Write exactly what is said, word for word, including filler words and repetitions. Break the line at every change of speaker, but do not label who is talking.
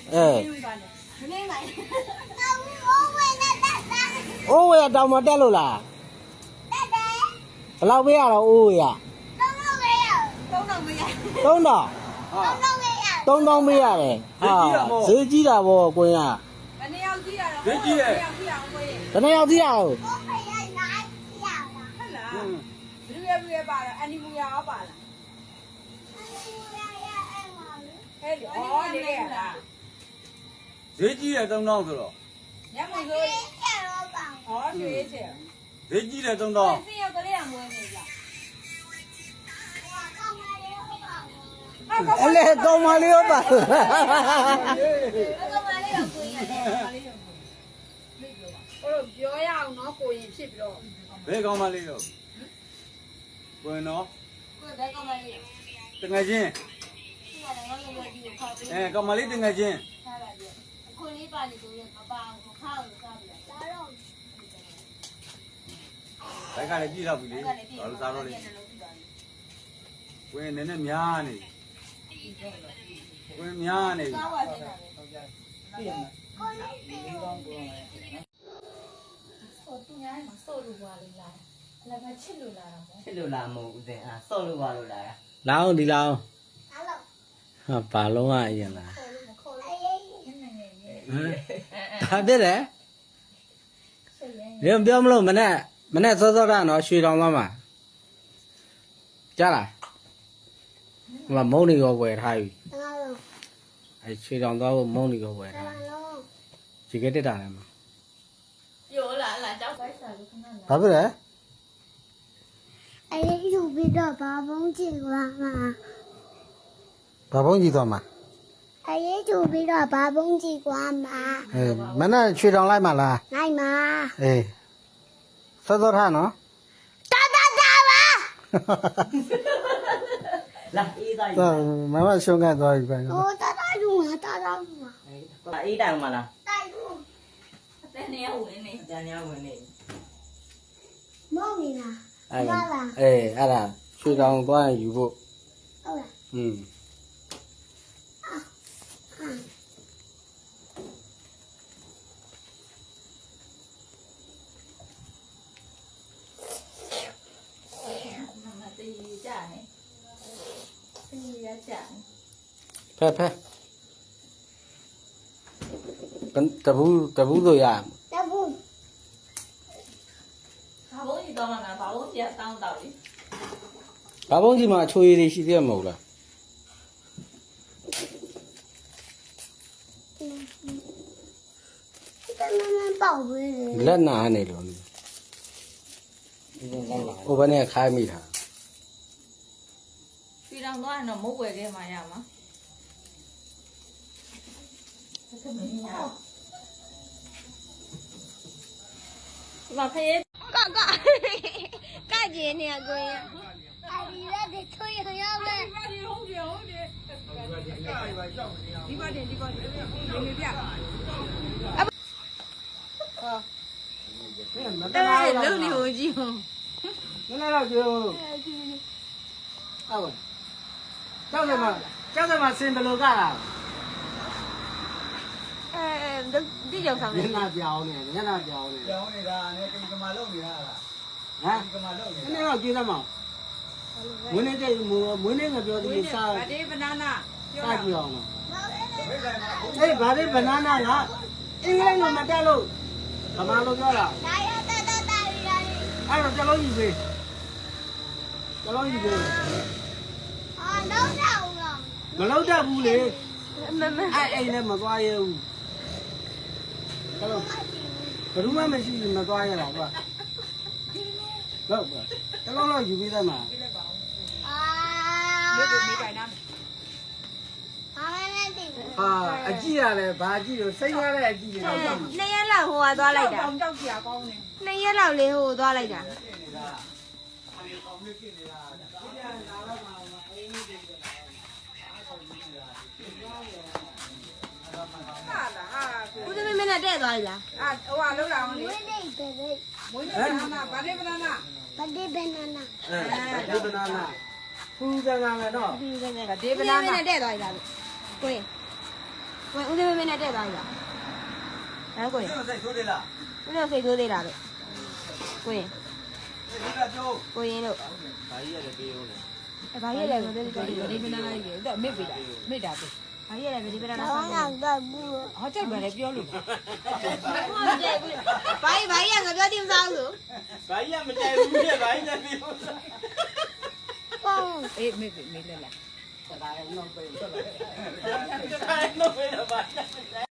အိုးဝေတောင်မတက်လို့လားဘယ်လောက်ပေးရတော့အိုးဝေရသုံးတော့သုံးတော့ပေးရတယ်ဟာဈေးကြီးတာပေါ့ကိုင်းကဘယ်နှစ်ယောက်ကြီးရတော့ဈေးကြီးရဲ့ဘယ်နှစ်ယောက်ကြီးရတော့ဟုတ်လားဘယ်လိုလဲပါတော့အန်ဒီမူရအောင်ပါလားဟဲ့ဟောနေရလား
ဈေးကြီးတယ်သုံးတောင်းဆိုတော့
ညမဆိုဟောရွှေချေ
ဈေးကြီးတယ်သုံးတောင်း
စင်ရောက်ကလေးကမွေးနေကြအဲ့လေကောင်းမလေးရောပါကောင်းမလေးရောကိုရင်ရတယ်ကောင်းမလေးရောဟိုပြောရအောင်နော်ကိုရင်ဖြစ်ပြီးတော့
ဘယ်ကောင်းမလေးရောကိုရင်နော်
ကိုဘယ်ကောင်းမလေး
တငယ်ချင်းအဲကောင်းမလေးတငယ်ချင်း
အခုလေးပါနေကိုရင်မပါဘူးခါအောင်စားပြီလားစားတော့
ဘိုက်ကလည်းကြည့်တော့ပြီလေဘာလို့စားတော့လဲကိုရင်နည်းနည်းများနေဝင်များနေပြီ
ဆော့တူညာမှာဆော့လို့ပါလေလားလည်းပဲချစ်လို့လာတာပေါ့
ချစ်လို့လာမဟုတ်ဦးစင်အာဆော့လို့ပါလို့လာတာ
လောင်းဒီလောင်းဟာဘာလုံးอ่ะအရင်လားဘာဖြစ်လဲရံပြောမလို့မနဲ့မနဲ့စောစောတာနော်ရွှေတောင်သွားမှာကြားလားမမုံနေရောဝယ်ထားပြီအဲရွှေတောင်သွားဖို့မုံနေရောဝယ်ထားဒီကတက်တာလည်းမ
ပြောလာလာကြောက်ပိုက်စားလို့ခဏလာ
ဘာဖြစ်လဲ
အဲ့ဒီယူပြီးတော့ဘာဘုံကြည့်သွားမှာ
ဘာဘုံကြည့်သွားမှာ
အဲ့ဒီယူပြီးတော့ဘာဘုံကြည့်သွားမှာ
အေးမနဲ့ရွှေတောင်လိုက်မှာလား
လိုက်မှာ
အေးစောစောထားနော်
တာတာတာပါ
လာအေးသား
တော့မမရှုံးကန်သွားပြီပဲ
ဟိုတာတာယူမှာတာတာယူမှာ
အေးတိုင်မလား
တိုင်ယူ
အတန်းနေဝင်နေတန်းနေဝင်နေ
မောင်နေလား
အဲ့ဒါအေးအဲ့ဒါရွှေတောင်သွားရင်ယူဖို့
ဟုတ်လား
อืมဖဲဖဲကန်တဘူးတဘူးဆိုရ
တဘူး
ဘာဘုံကြီးတော့မှာဘာဘုံကြီးတောင်းတော့လေ
ဘာဘုံကြီးမှာအချိုရည်တွေရှိသေးမဟုတ်လား
တမန်မပေါက်ဘူး
လက်နာနေလို့ဟိုဘက်နဲ့ခိုင်းမိတာ
ပြည်တော်သွားရင်တော့မုတ်ွယ်ခဲ့မှရမှာဒီမှာဖေး
ကကကကျင်းနေကိုရင်အဒီရက်တွေထွေးရရမယ်
ဟုတ်တယ်ဟုတ်တယ်ဒီပါတင်ဒီပါတင်ဒီမေပြဟာ
အဲ့
လုံနေဟိုကြည့်ဟို
နည်းနည်းတော့ကျွေးဟုတ်ကျောက်စမကျောက်စမစင်ဘလို့ကလား
အဲဒီကြောင်ဆောင်
နေညနာပြောင်းနေညနာပြောင်းနေ
ပြောင်းနေတာနဲ့ကိကမာလုံနေတာလား
ဟမ်ကိကမာလုံနေတာနည်းနည်းတော့ကျွေးသမောင်းမွေးနေ့ကျမွေးနေ့ကပြောသေးတယ်စား
ဗဒေဘနာနာ
စားကြည့်အောင်အေးဗဒေဘနာနာကအင်္ဂလိပ်လိုမတက်လို့ဗမာလိုပြောတာ
ဒါရတတတရီရီ
အဲ့တော့ကျွန်တော်ယူပေးကျွန်တော်ယူပေး
အာတော့တော့လား
မလောက်တတ်ဘူးလေမမအဲ့အိမ်နဲ့မသွားရဘူးကျွန်တော်ဘယ်သူမှမရှိဘူးမသွားရတာကွာဟုတ်ပါကျွန်တော်တော့ယူပေးတယ်မှာ
အာ
မေးမေးပိုင်နာ
ဘာလဲတိ
ဟာအကြည့်ရတယ်ဘာကြည့်လို့စိတ်ရတဲ့အကြည့်တွေတော့
နှစ်ရက်လောက်ဟိုကသွားလိုက်တာ
ကြောက်စရာကောင်းတယ်
နှစ်ရက်လောက်လေးဟိုသွားလိုက်တာဦးသမီးမနဲ့တဲ့သွားပြီလား
အာဟိုကလောက်လာအောင်လေ
မွေးနေ့ပဲပဲ
မွေးနေ့ဘနာဗဒေဘနာနာ
ဗဒေဘနာနာ
အဲဗဒေဘနာနာဖူးကနာမယ်တော့
ဗဒေဘနာနာဗဒေဘနာနာနဲ့တဲ့သွားပြီလားကိုရင်ကိုဦးသမီး
မင်းနဲ့တက်သွားပြီလားဟမ်ကိုရင်
စိတ်ဆိုးတယ်လား
ဦးတို့စိတ်ဆိုးသေးတာလို့ကိုရင်
ဒီကပြော
ကိုရင်တို့
ဘာကြီးရတယ်ပေးဦးလေ
အဲဘာကြီးလဲကိုပြောပြီး
ဒီမနာလိုက်တယ်တော့မေ့ပြီလားမေ့တာပဲ
ဘာကြီးလဲဗဒီပရာနာ
ဘာ
ဆောင်
မှ
ဘာ
မတော့ဘူး
ဟောကြိုက်ပါလေပြောလို့
ကြီးဘာကြီးကငါပြောတိမစားဘူး
ဘာကြီးကမကြိုက်ဘူးလေဘာကြီးလည်းပေးဦး
ပေါ့
အေးမေ့ပြီမေ့လက်လား
ဒါလည်းတော့ပေးတော့